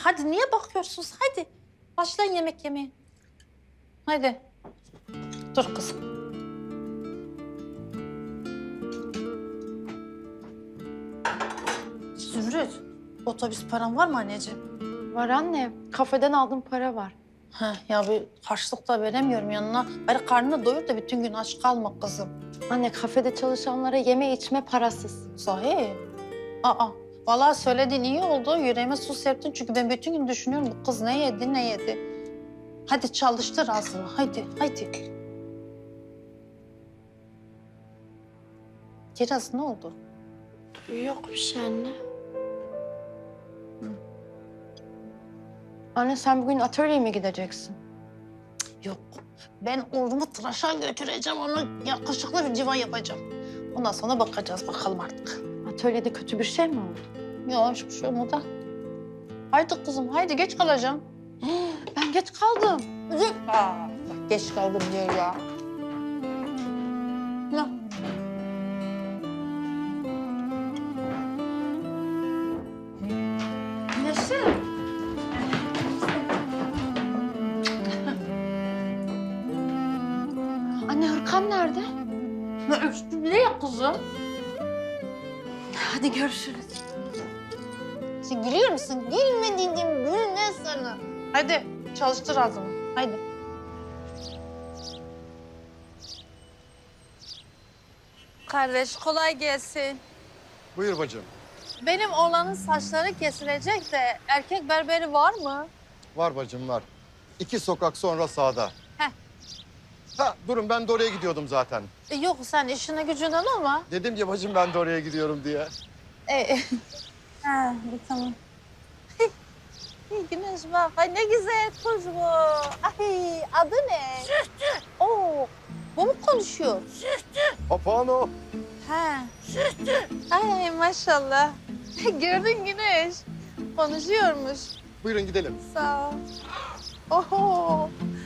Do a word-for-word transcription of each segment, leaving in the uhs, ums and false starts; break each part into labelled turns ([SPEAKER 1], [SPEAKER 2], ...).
[SPEAKER 1] hadi niye bakıyorsunuz? Hadi başlayın yemek yemeye. Hadi. Dur kızım. Zümrüt, otobüs paran var mı anneciğim?
[SPEAKER 2] Var anne. Kafeden aldığım para var.
[SPEAKER 1] Ha, ya bir harçlık da veremiyorum yanına. Bari karnını doyur da bütün gün aç kalma kızım.
[SPEAKER 2] Anne kafede çalışanlara yeme içme parasız.
[SPEAKER 1] Sahi? Aa, vallahi söylediğin iyi oldu. Yüreğime su serptin çünkü ben bütün gün düşünüyorum bu kız ne yedi ne yedi. Hadi çalıştır ağzını, hadi, hadi. Kiraz ne oldu?
[SPEAKER 2] Yok bir şey anne. Anne sen bugün atölyeye mi gideceksin?
[SPEAKER 1] Yok, ben oğlumu tıraşa götüreceğim, onu yakışıklı bir civan yapacağım. Ondan sonra bakacağız bakalım artık.
[SPEAKER 2] Atölyede kötü bir şey mi oldu?
[SPEAKER 1] Ya hiçbir şey olmadı. Haydi kızım, haydi geç kalacağım.
[SPEAKER 2] Ben geç kaldım.
[SPEAKER 1] Aa, bak geç kaldım diyor ya. Ya. Neşe.
[SPEAKER 2] Anne Hırkan nerede?
[SPEAKER 1] Ne ya kızım?
[SPEAKER 2] Hadi görüşürüz.
[SPEAKER 1] Sen gülüyor musun? Gülme dedim, gülme sana. Hadi çalıştır ağzını, haydi. Kardeş kolay gelsin.
[SPEAKER 3] Buyur bacım.
[SPEAKER 1] Benim oğlanın saçları kesilecek de erkek berberi var mı?
[SPEAKER 3] Var bacım var. İki sokak sonra sağda.
[SPEAKER 1] Heh.
[SPEAKER 3] Ha durun ben de oraya gidiyordum zaten.
[SPEAKER 1] E, yok sen işine gücünden olma.
[SPEAKER 3] Dedim ya bacım ben de oraya gidiyorum diye.
[SPEAKER 1] E, ha, bir tamam. Güneş bak, ay ne güzel kız bu. Ay adı ne? Sühtü. Oo, bu mu konuşuyor?
[SPEAKER 3] Papağan o.
[SPEAKER 1] Ha. Sühtü. Ay maşallah. Gördün Güneş. Konuşuyormuş.
[SPEAKER 3] Buyurun gidelim.
[SPEAKER 1] Sağ ol. Oho.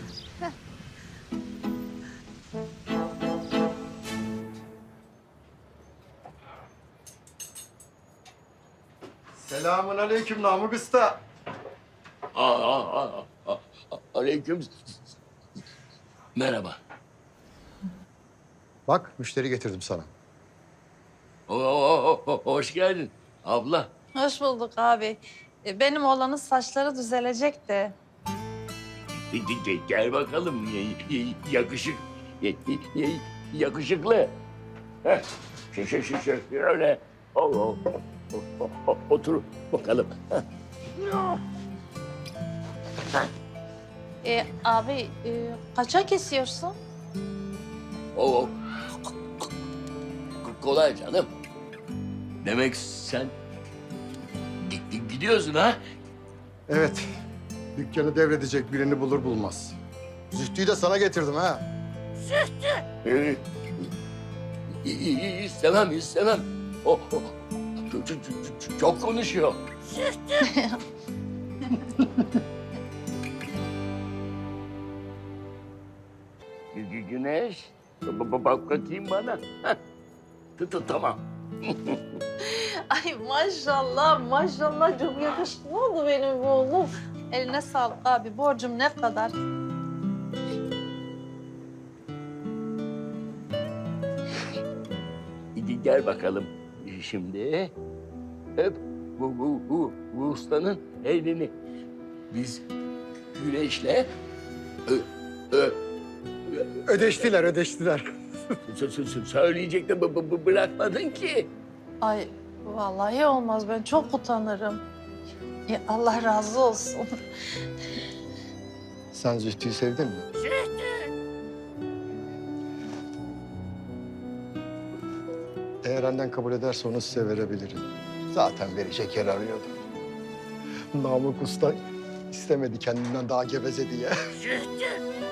[SPEAKER 3] Selamun aleyküm Namık Usta.
[SPEAKER 4] Aa, aa, aa, aa, aleyküm. Merhaba.
[SPEAKER 3] Bak müşteri getirdim sana.
[SPEAKER 4] Oo, oo, oo, hoş geldin abla.
[SPEAKER 1] Hoş bulduk abi. E, Benim oğlanın saçları düzelecek de.
[SPEAKER 4] Gel bakalım yakışık yakışıklı. Heh, şu şu şu şu öyle. Oo, oo, oo, oo, otur bakalım.
[SPEAKER 1] E, abi e, kaça kesiyorsun?
[SPEAKER 4] Oo, kolay canım. Demek sen gi- gidiyorsun ha?
[SPEAKER 3] Evet. Dükkanı devredecek birini bulur bulmaz. Zühtü'yü de sana getirdim ha.
[SPEAKER 4] Ee, i- i- istemem, istemem. O, o, çok, çok, çok- çok konuşuyor. Gü- gü- Güneş, ba- ba- bak bakayım bana. Heh, tut- tut, tamam.
[SPEAKER 1] Ay maşallah maşallah çok yakışıklı oldu benim bu oğlum. Eline sağlık abi. Borcum ne kadar?
[SPEAKER 4] Gel- Gel bakalım şimdi. Öp bu, bu, bu, bu ustanın elini. Biz Güneş'le ö, ö,
[SPEAKER 3] Ödeştiler, ödeştiler.
[SPEAKER 4] Sö- sö- sö- söyleyecek de bı- bı- bı- bırakmadın ki.
[SPEAKER 1] Ay vallahi olmaz. Ben çok utanırım. Ya Allah razı olsun.
[SPEAKER 3] Sen Zühtü'yü sevdin mi? Eğer annen kabul ederse onu size verebilirim. Zaten verecek yer arıyordu. Namık Usta istemedi kendinden daha geveze diye.